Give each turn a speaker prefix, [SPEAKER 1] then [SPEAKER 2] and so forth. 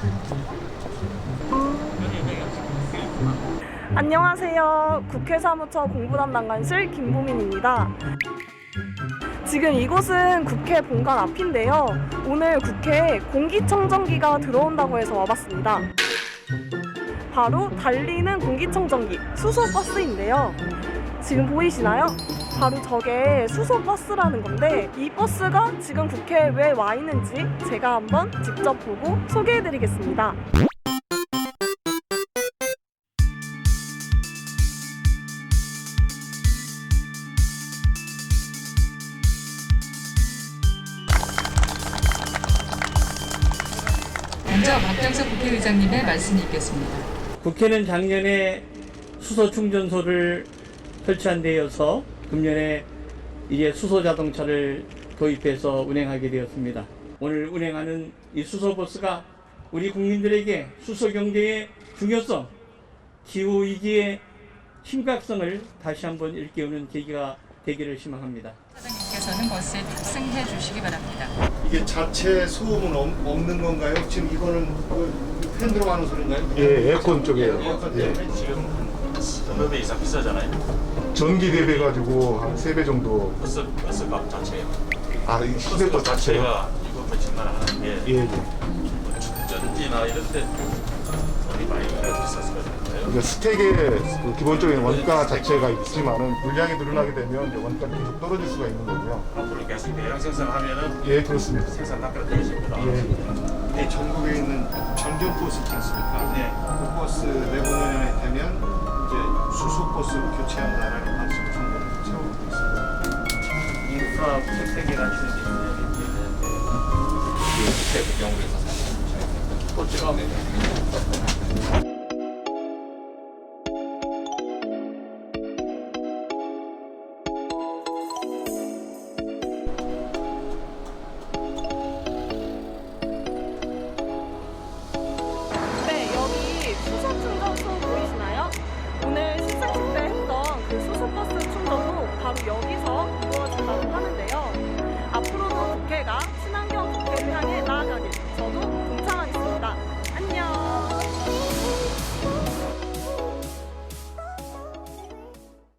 [SPEAKER 1] 안녕하세요. 국회 사무처 공부담당관실 김보민입니다. 지금 이곳은 국회 본관 앞인데요. 오늘 국회에 공기청정기가 들어온다고 해서 와봤습니다. 바로 달리는 공기청정기 수소버스인데요. 지금 보이시나요? 바로 저게 수소버스라는 건데, 이 버스가 지금 국회에 왜 와 있는지 제가 한번 직접 보고 소개해드리겠습니다.
[SPEAKER 2] 먼저 박병석 국회의장님의 말씀이 있겠습니다.
[SPEAKER 3] 국회는 작년에 수소 충전소를 설치한 데 이어서 금년에 이제 수소 자동차를 도입해서 운행하게 되었습니다. 오늘 운행하는 이 수소버스가 우리 국민들에게 수소 경제의 중요성, 기후 위기의 심각성을 다시 한번 일깨우는 계기가 되기를 희망합니다.
[SPEAKER 2] 사장님께서는 버스에 탑승해 주시기 바랍니다.
[SPEAKER 4] 이게 자체 소음은 없는 건가요? 지금 이거는 팬 들어가는 소리인가요?
[SPEAKER 5] 예, 에어컨 쪽이에요.
[SPEAKER 4] 에어컨
[SPEAKER 5] 예.
[SPEAKER 4] 때문에
[SPEAKER 6] 지금 몇 배 이상 비싸잖아요.
[SPEAKER 5] 전기 대비 가지고 한 3배 정도.
[SPEAKER 6] 버스 값 자체요.
[SPEAKER 5] 아, 이
[SPEAKER 6] 버스
[SPEAKER 5] 시대도
[SPEAKER 6] 값
[SPEAKER 5] 자체가.
[SPEAKER 6] 자체가 이거 몇천만 원 하는 게
[SPEAKER 5] 예, 예.
[SPEAKER 6] 충전지나 이런 데 돈이 많이 비쌌을 거잖아요.
[SPEAKER 5] 그러니까 스택의 그 기본적인 원가 자체가 있지만은 물량이 늘어나게 되면 이제 원가가 계속 떨어질 수가 있는 거고요.
[SPEAKER 6] 앞으로 계속 대량 생산하면은
[SPEAKER 5] 예, 그렇습니다.
[SPEAKER 6] 생산 깎으러 되십니다.
[SPEAKER 5] 예.
[SPEAKER 4] 전국에 있는 전전 버스 있지 않습니까?
[SPEAKER 6] 네.
[SPEAKER 4] 그 버스 내보내년에 되면 이제 수소 버스로 교체한다라는 말씀을 정부는 채우고 있습니다.
[SPEAKER 6] 인프라 생태계가 주는 게 있는데 그 경우에서 사실 또 찍어내요.